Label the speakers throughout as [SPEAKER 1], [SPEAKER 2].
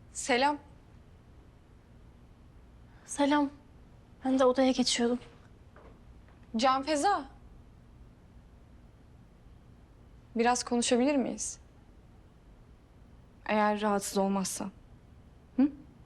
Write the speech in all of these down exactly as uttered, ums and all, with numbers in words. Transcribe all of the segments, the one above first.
[SPEAKER 1] Selam.
[SPEAKER 2] Selam. Ben de odaya geçiyordum.
[SPEAKER 1] Can Feza. Biraz konuşabilir miyiz? Eğer rahatsız olmazsan. Hı?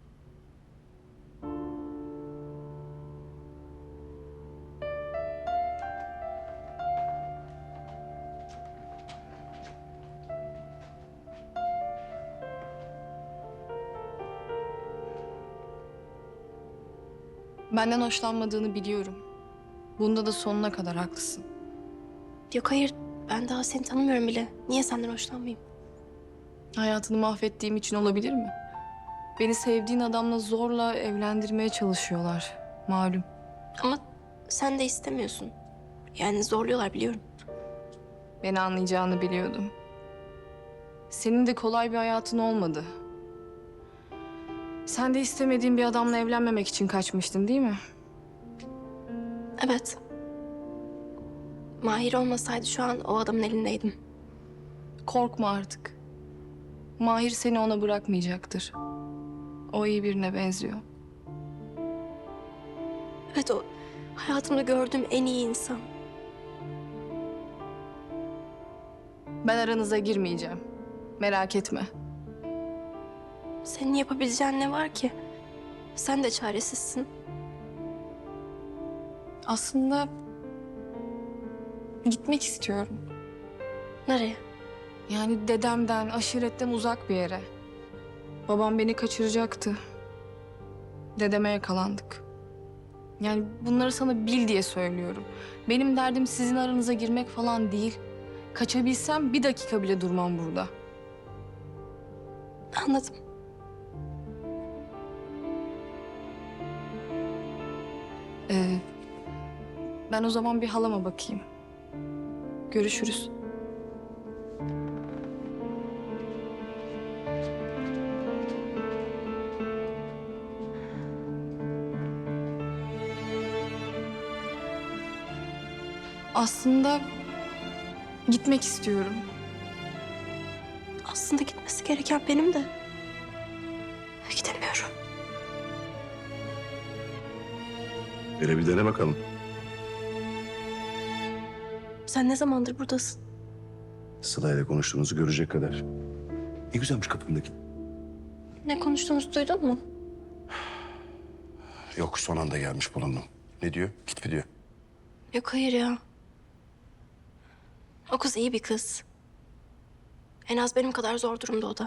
[SPEAKER 1] Benden hoşlanmadığını biliyorum. Bunda da sonuna kadar haklısın.
[SPEAKER 2] Yok hayır, ben daha seni tanımıyorum bile. Niye senden hoşlanmayayım?
[SPEAKER 1] Hayatını mahvettiğim için olabilir mi? Beni sevdiğin adamla zorla evlendirmeye çalışıyorlar. Malum.
[SPEAKER 2] Ama sen de istemiyorsun. Yani zorluyorlar biliyorum.
[SPEAKER 1] Beni anlayacağını biliyordum. Senin de kolay bir hayatın olmadı. Sen de istemediğin bir adamla evlenmemek için kaçmıştın, değil mi?
[SPEAKER 2] Evet. Mahir olmasaydı şu an o adamın elindeydim.
[SPEAKER 1] Korkma artık. Mahir seni ona bırakmayacaktır. O iyi birine benziyor.
[SPEAKER 2] Evet, o hayatımda gördüğüm en iyi insan.
[SPEAKER 1] Ben aranıza girmeyeceğim. Merak etme.
[SPEAKER 2] Senin yapabileceğin ne var ki? Sen de çaresizsin.
[SPEAKER 1] Aslında gitmek istiyorum.
[SPEAKER 2] Nereye?
[SPEAKER 1] Yani dedemden, aşiretten uzak bir yere. Babam beni kaçıracaktı. Dedeme yakalandık. Yani bunları sana bil diye söylüyorum. Benim derdim sizin aranıza girmek falan değil. Kaçabilsem bir dakika bile durmam burada.
[SPEAKER 2] Anladım.
[SPEAKER 1] Ee, ben o zaman bir halama bakayım. Görüşürüz. Aslında gitmek istiyorum.
[SPEAKER 2] Aslında gitmesi gereken benim de. Gidemiyorum.
[SPEAKER 3] Hele bir dene bakalım.
[SPEAKER 2] Sen ne zamandır buradasın?
[SPEAKER 3] Sıla ile konuştuğunuzu görecek kadar. Ne güzelmiş kapımdaki.
[SPEAKER 2] Ne konuştuğumuzu duydun mu?
[SPEAKER 3] Yok, son anda gelmiş bulundum. Ne diyor? Git mi diyor?
[SPEAKER 2] Yok hayır ya. O kız iyi bir kız. En az benim kadar zor durumda o da.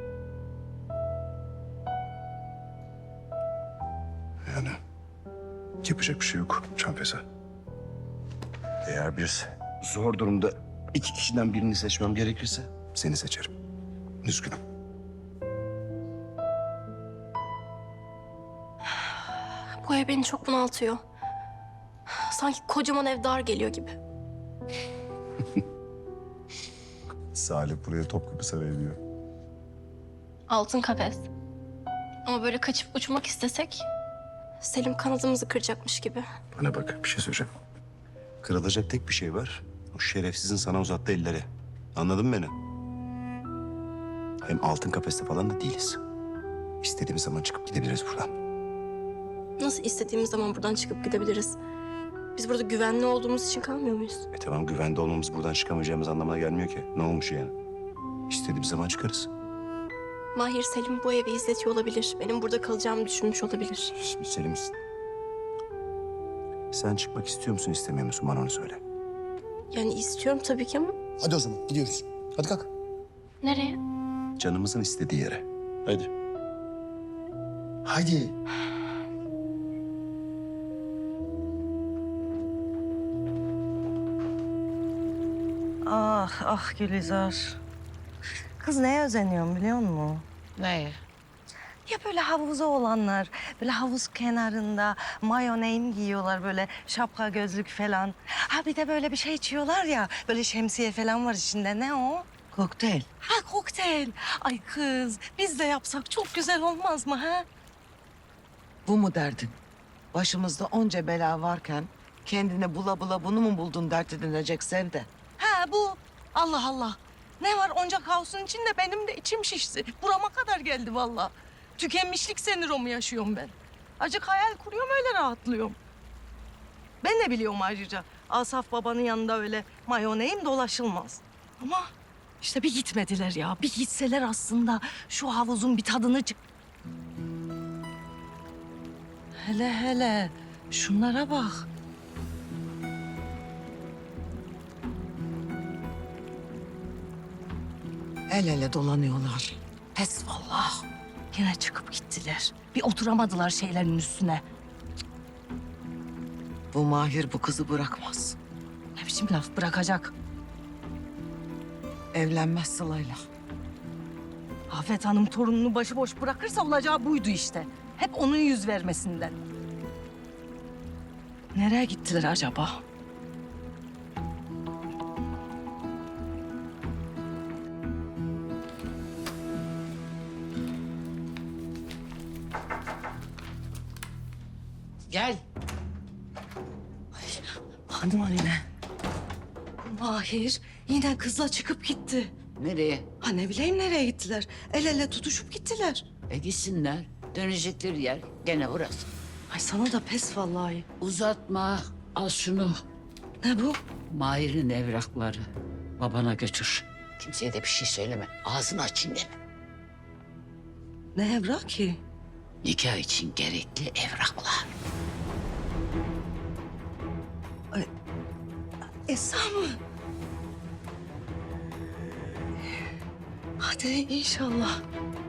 [SPEAKER 3] Yani yapacak bir şey yok Canfeza. Eğer bir zor durumda iki kişiden birini seçmem gerekirse seni seçerim. Üzgünüm.
[SPEAKER 2] Bu ev beni çok bunaltıyor. Sanki kocaman ev dar geliyor gibi.
[SPEAKER 3] Salih buraya Topkapı Sarayı diyor.
[SPEAKER 2] Altın kafes. Ama böyle kaçıp uçmak istesek Selim kanadımızı kıracakmış gibi.
[SPEAKER 3] Bana bak, bir şey söyleyeceğim. Kırılacak tek bir şey var. O şerefsizin sana uzattığı elleri. Anladın mı beni? Hem altın kafeste falan da değiliz. İstediğimiz zaman çıkıp gidebiliriz buradan.
[SPEAKER 2] Nasıl istediğimiz zaman buradan çıkıp gidebiliriz? Biz burada güvenli olduğumuz için kalmıyor muyuz?
[SPEAKER 3] E tamam, güvende olmamız buradan çıkamayacağımız anlamına gelmiyor ki. Ne olmuş yani? İstediğimiz zaman çıkarız.
[SPEAKER 2] Mahir Selim bu evi izletiyor olabilir. Benim burada kalacağımı düşünmüş olabilir.
[SPEAKER 3] Şimdi Selim, sen çıkmak istiyor musun, istemiyor musun? Bana onu söyle.
[SPEAKER 2] Yani istiyorum tabii ki ama
[SPEAKER 3] Hadi o zaman gidiyoruz. Hadi kalk.
[SPEAKER 2] nereye?
[SPEAKER 3] Canımızın istediği yere. Hadi. Hadi.
[SPEAKER 4] Ah ah Gülizar. Kız neye özeniyorum biliyor musun?
[SPEAKER 5] Neye?
[SPEAKER 4] Ya böyle havuzu olanlar, böyle havuz kenarında mayoneyin giyiyorlar, böyle şapka gözlük falan. Ha bir de böyle bir şey içiyorlar ya, böyle şemsiye falan var içinde. Ne o?
[SPEAKER 5] Kokteyl.
[SPEAKER 4] Ha kokteyl. Ay kız biz de yapsak çok güzel olmaz mı ha?
[SPEAKER 5] Bu mu derdin? Başımızda onca bela varken kendine bula bula bunu mu buldun dert edinecek Sevde?
[SPEAKER 4] Ha bu. Allah Allah. Ne var onca kaosun içinde benim de içim şişti. Burama kadar geldi vallahi. Tükenmişlik sendromu yaşıyorum ben. Acık hayal kuruyorum öyle rahatlıyorum. Ben de biliyorum ayrıca. Asaf babanın yanında öyle mayoneyim dolaşılmaz. Ama işte bir gitmediler ya. Bir gitseler aslında şu havuzun bir tadını çık... Hele hele şunlara bak.
[SPEAKER 5] El ele dolanıyorlar.
[SPEAKER 4] Pes vallahi. Yine çıkıp gittiler. Bir oturamadılar şeylerin üstüne.
[SPEAKER 5] Bu Mahir bu kızı bırakmaz.
[SPEAKER 4] Ne biçim laf bırakacak?
[SPEAKER 5] Evlenmez Sıla'yla.
[SPEAKER 4] Afet Hanım torununu başıboş bırakırsa olacağı buydu işte. Hep onun yüz vermesinden. Nereye gittiler acaba?
[SPEAKER 5] Gel.
[SPEAKER 4] Hanım anne. Mahir yine kızla çıkıp gitti.
[SPEAKER 6] Nereye?
[SPEAKER 4] Ha ne bileyim nereye gittiler. El ele tutuşup gittiler.
[SPEAKER 6] E gitsinler. Dönecekleri yer gene burası.
[SPEAKER 4] Ay sana da pes vallahi.
[SPEAKER 6] Uzatma. Al şunu.
[SPEAKER 4] Ne bu?
[SPEAKER 6] Mahir'in evrakları. Babana götür. Kimseye de bir şey söyleme. Ağzını açın deme.
[SPEAKER 4] Ne evrak ki?
[SPEAKER 6] Nikah için gerekli evraklar.
[SPEAKER 4] Esra mı? Hadi inşallah.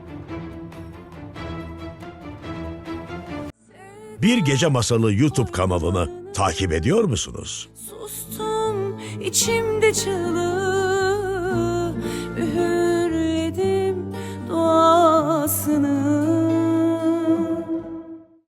[SPEAKER 7] Bir Gece Masalı YouTube kanalını takip ediyor musunuz?
[SPEAKER 8] Sustum içimde çığlığı, üğürledim duasını.